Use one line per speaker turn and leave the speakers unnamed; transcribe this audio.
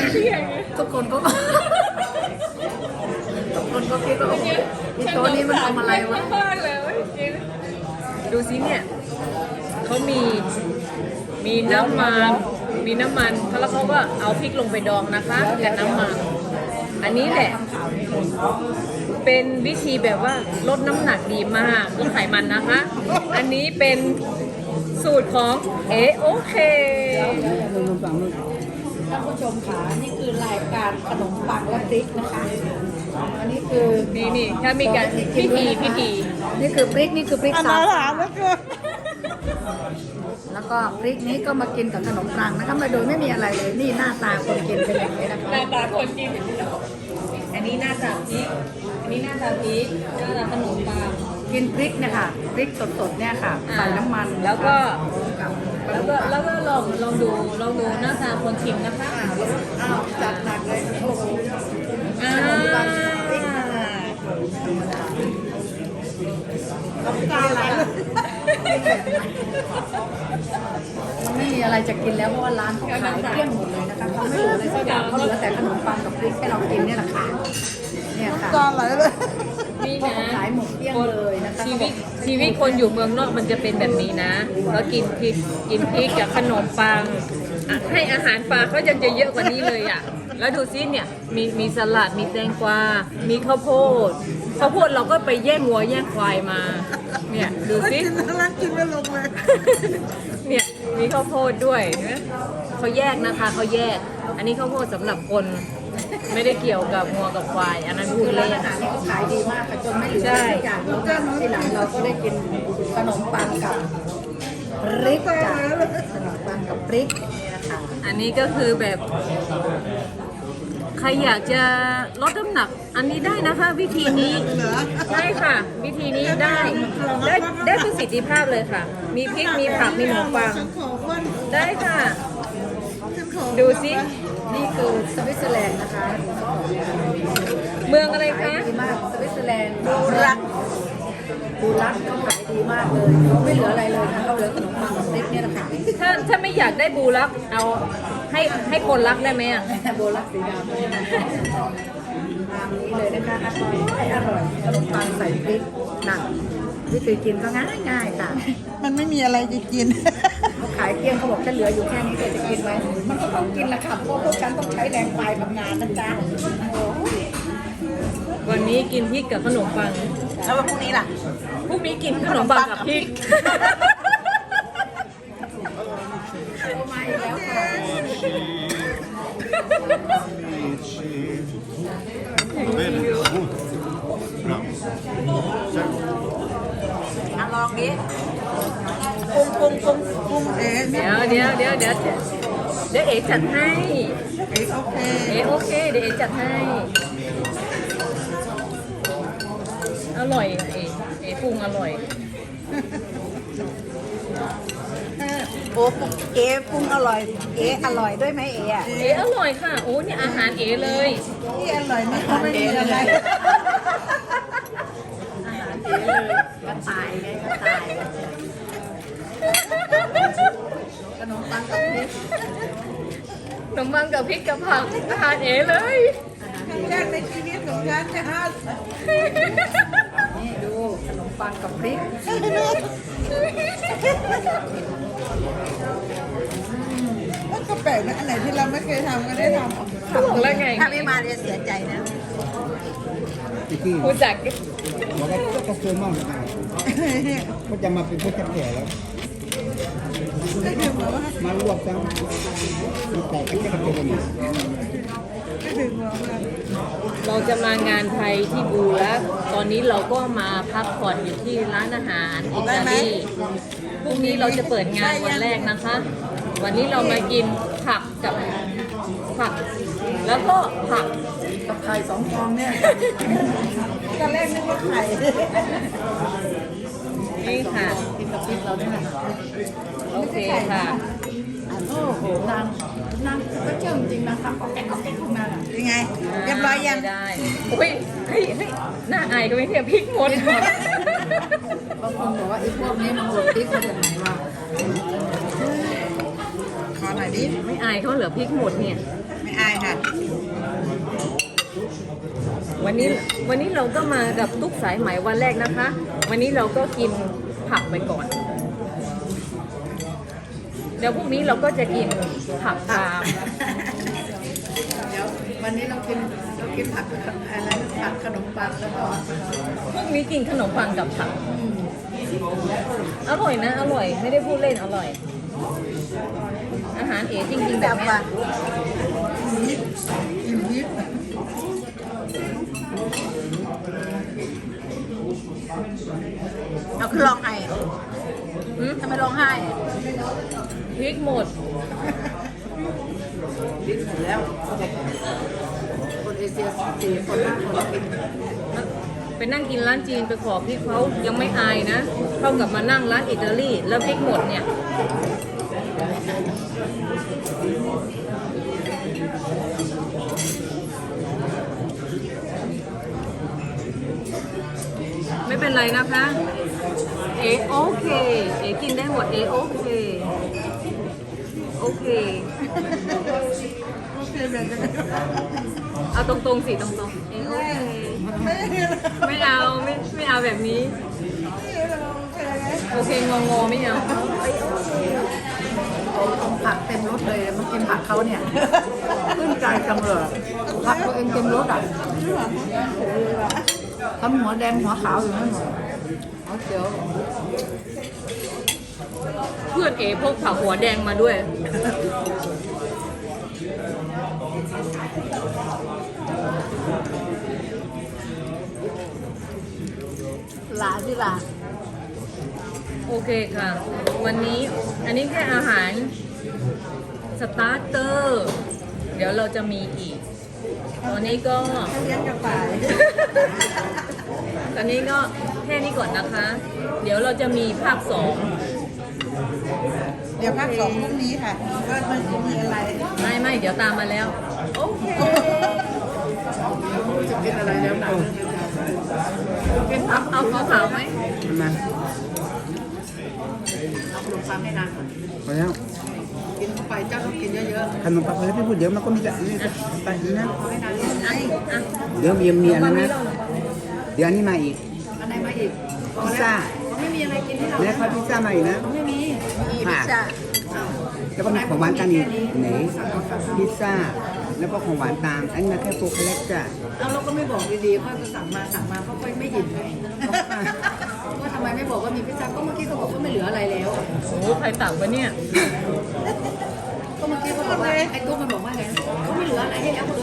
ทุกคนก็ทุกคนก็คิดว่าโอ้โหอีโต๊ะนี้มันทำอะไรวะ
ดูสิเนี่ยเขามีน้ำมันแล้วเขาก็เอาพริกลงไปดองนะคะกับน้ำมันอันนี้แหละเป็นวิธีแบบว่าลดน้ำหนักดีมากลดไขมันนะคะ อันนี้เป็นสูตรของโอเค
ท่านผู้ชมค่ะนี่คือรายการขนมปังและพริกนะคะอันนี้คือ
นี่ถ้ามีการพิธี
นี่คือพริกสับ
ถามแล้วก็
แล้วก็พริกนี้ก็มากินกับขนมปังนะคะมาโดยไม่มีอะไรเลยนี่หน้าตาคนกินเป็นอย่างนี้นะคะ
หน้าตาคนกินอันนี้หน้าตาพริกอันนี้หน้าตาพริกหน้าตาขนมปัง
กินพริกเนี่ยค่ะพริกสดๆเนี่ยค่ะใส่น้ำมัน
แล้วก็ลองดูหน้าตาคนชิมนะคะ
จัดหนักเลยโอ้โหน้ำตาไหลมันไม่มีอะไรจะกินแล้วเพราะว่าร้านเขาขายเกลี้ยงหมดเลยนะคะเขาไม่เหลืออะไรสักอย่างเขาเหลือแต่ขนมปังกับพริกให้เรากินเนี่ยแหละค่ะเนี่ยค่ะ
ตาไหลเลย
นี่นะ
ขายหมดเกลี้ยงเลยนะคะ
ชีวิตคนอยู่เมืองนอกมันจะเป็นแบบนี้นะแล้วกินพริกกับขนมปังให้อาหารปลาเขายังจะเยอะกว่านี้เลยอ่ะแล้วดูซิเนี่ยมีสลัดมีแตงกวามีข้าวโพดเราก็ไปแย่งวัวแย่งควายมาเนี่ยดูซิ
กินไม่ลงเลย
เนี่ยมีข้าวโพดด้วยนะเขาแยกนะคะเขาแยกอันนี้ข้าวโพดสำหรับคนไม่ได้เกี่ยวกับงัวกับควายอันนั้นพูดเล่น
อาหารนี่เขาขายดีมากค่ะจนไม่เหลือสักอย่างแล้วก็ทีหลังเราก็ได้กินขนมปังกับพริกจ้ะขนมปังกับพริกนี่นะคะ
อันนี้ก็คือแบบใครอยากจะลดน้ำหนักอันนี้ได้นะคะวิธีนี้ใช่ค่ะวิธีนี้ได้ประสิทธิภาพเลยค่ะมีพริกมีผักมีขนมปังได้ค่ะดูสิ
นี่คือสวิตเซอร์แลนด์นะคะ
เมืองอะไรคะ
ดีมากสวิตเซอร์แลนด์บูรักเขาขายดีมากเลยไม่เหลืออะไรเลยนะเราเหลือขนมปังกับพริกเนี่ยนะคะ
ถ้าไม่อยากได้บูรักเอาให้คนรักได้ไหมอ่ะ
บูรักสีดำตามนี้เลยนะคะอร่อยขนมปังใส่พริกหนักวิธีกินก็ง่ายค่ะ
มันไม่มีอะไรจะกิน
เขาขายเกลี้ยงเขาบอกจะเหลืออยู่แค่นี้จะกินไหมมันก็ต้องกินละค่ะเพราะพวกฉันต้องใช้แรงกายทำงานนะจ๊ะ
วันนี้กินพริกกับขนมปัง
แล้วพรุ่งนี้ล่ะ
พรุ่งนี้กินขนมปังกับพริก
มาอีกแล้วค่ะ
ลองดิปรุง
เดี๋ยวเอ๋จัดให้โอเคเดี๋ยวเอ๋จัดให้อร่อยเอ๋ปรุงอร่อย
โอ้เอ๋ปรุงอร่อยอร่อยด้วยไหมเอ๋อะ
อร่อยค่ะโอ้นี่อาหารเอ๋เลย
ที่อร่อยนี่เขาไม่มีอะไร
ก็ตายไงก็ตายขนมปังกับพริก
ขนมปังกับพริกกับผักอาหารเอ๋เลย
ครั้งแรกในชีวิตของฉันจะห้า
นี่ดูขนมปังกับพริก
ก็แปลกนะอันไหนที่เราไม่เคยทำก็ได้ทำ
บอกแล้วไง
ถ้าไม่มาเรียนเสียใจนะ
ผู้จัด
บอกว่าก็เกินมากเลยก็จะมาเป็นผู้จัดแก่แล้วมาลวกทั้งมีแต่ก็จะเป็น
เราจะมางานไทยที่บูแล้วตอนนี้เราก็มาพักผ่อนอยู่ที่ร้านอาหารอิตาลีพรุ่งนี้เราจะเปิดงานวันแรกนะคะ วันนี้เรามากินผักกับผักแล้วก็ผัก
กับไข่2 ฟองเนี่ย
ตอนแรกนึกว่าไข่
นี่ค่ะ
กินกับพริกเราเนี่ย
โอเคค่ะ
โอ้โหนางก็เชื่อจริงนะคะก็แก๊กขึ้นมา
ยังไงเรียบร้อยยัง
ได้อุ้ยเฮ้ยหน้าอายก็ไม่เทียบพริกหมด
บางคนบอกว่าไอ้พวกนี้มันหมดพริกมาจากไหนวะ
ขอหน่อยดิ
ไม่อายเขาเหลือพริกหมดเนี่ย
ไม่อายค่ะ
วันนี้เราก็มากับตุ๊กสายไหมวันแรกนะคะ วันนี้เราก็กินผักไปก่อน เดี๋ยวพรุ่งนี้เราก็จะกินผักตาม
เดี๋ยววันนี้เรากินผักอะไรผักขนมปังแล้วก็
พรุ่งนี้กินขนมปังกับผักอร่อยนะ อร่อย ไม่ได้พูดเล่นอร่อย อาหารเอ๋จริงๆแบบเนี้ย
อิ่มยิบ
เอาคือร้องไห้
หืม
ทำไมร้องไห้
พริกหมด
ดิ้นหมดแล้วคนเอเชีย4 คน5 คนกิน
ไปนั่งกินร้านจีนไปขอพริกเขายังไม่อายนะ เท่ากับมานั่งร้านอิตาลีแล้วพริกหมดเนี่ย ไม่เป็นไรนะคะ เอโอเค เอกินได้หมด เอโอเค โอเค เอาตรงๆสิตรงๆเอโอเคไม่เอาแบบนี้ โอเคงงๆไม่เอา
ผักเต็มรถเลยมากินผักเขาเนี่ยขึ้นใจจังเลยผักตัวเองเต็มรถอ่ะทำหัวแดงหัวขาวอยู่นั่นหมดเอาเดี๋ยว
เพื่อนเอพกผักหัวแดงมาด้วย
หลานที่หลาน
โอเคค่ะ วันนี้อันนี้แค่อาหารสตาร์เตอร์ เดี๋ยวเราจะมีอีก ตอนนี้ก็
เลี้ยงกระต่าย
ตอนนี้ก็แค่นี้ก่อนนะคะ เดี๋ยวเราจะมีภาคสอง
เดี๋ยวภาค 2พรุ่งนี้ค่ะว่ามันจะมีอะไร
ไม่เดี๋ยวตามมาแล้ว โอเค
จะกินอะไรแล้วหนัง
เอาขาวๆไหม
มา
เอาขนมปังให้นางก่อน
พอแล้ว
กินเข้าไปเจ้าต้องกินเยอะ
ขนมปังเลยพี่พูดเดี๋ยวมันก็มีแต่นี่ไปนะ
ๆเอาให้นางกิน
อ่ะ
เดี๋ยวมีอันนั้นนะเดี๋ยวอันนี้มาอีก
อันไหนมาอีกพอ
พิซ
แล้ว
ซ่า
เขาไม่มีอะไรกินให้เรา
แล้วก็พิซซ่ามาอีกนะ
เขาไม่มี
ค่ะ
จ้ะ
แล้วก็มีของหวานกันอีกไหนพิซซ่าแล้วก็ของหวานตามอันนี้มาแค่โฟกัสจ้ะ
เอาเราก็ไม่บอกดีๆค่อยก็สั่งมาเพราะค่อยไม่หยิบไงว่าทำไมไม่บอกว่ามีพิซซ่าก็เมื่อกี้เขาบอกว่าไม่เหลืออะไรแล้ว
โอ้ใครตักวะเนี่ย
ก็เมื่อกี้เขาบอกว่าไอ้ตุ๊กมันบอกว่าไงเขาไม่เหลืออะไรให้แล้วคน